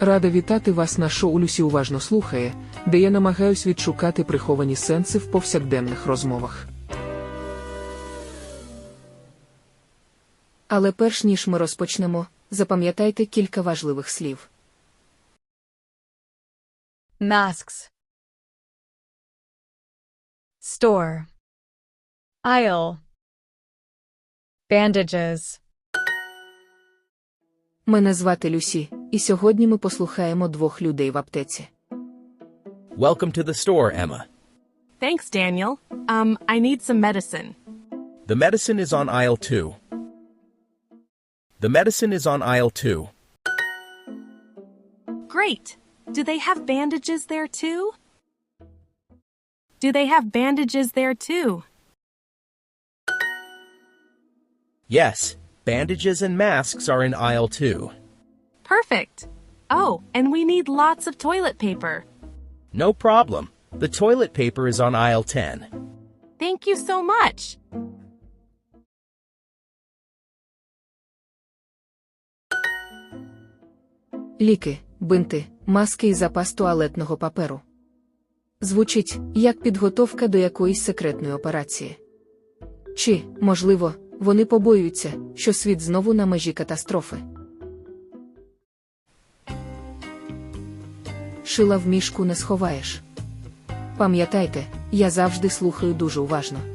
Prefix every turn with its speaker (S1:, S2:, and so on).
S1: Рада вітати вас на шоу «Люсі уважно слухає», де я намагаюсь відшукати приховані сенси в повсякденних розмовах.
S2: Але перш ніж ми розпочнемо, запам'ятайте кілька важливих слів.
S3: Masks. Store. Aisle. Bandages.
S2: Мене звати Люсі, і сьогодні ми послухаємо двох людей в аптеці.
S4: Welcome to the store, Emma.
S5: Thanks, Daniel. I need some medicine.
S4: The medicine is on aisle 2. The medicine is on aisle 2.
S5: Great. Do they have bandages there too? Do they have bandages there too?
S4: Yes, bandages and masks are in aisle 2.
S5: Perfect. Oh, and we need lots of toilet paper.
S4: No problem. The toilet paper is on aisle 10.
S5: Thank you so much.
S2: Ліки, бинти, маски і запас туалетного паперу. Звучить, як підготовка до якоїсь секретної операції. Чи, можливо, вони побоюються, що світ знову на межі катастрофи. Шила в мішку не сховаєш. Пам'ятайте, я завжди слухаю дуже уважно.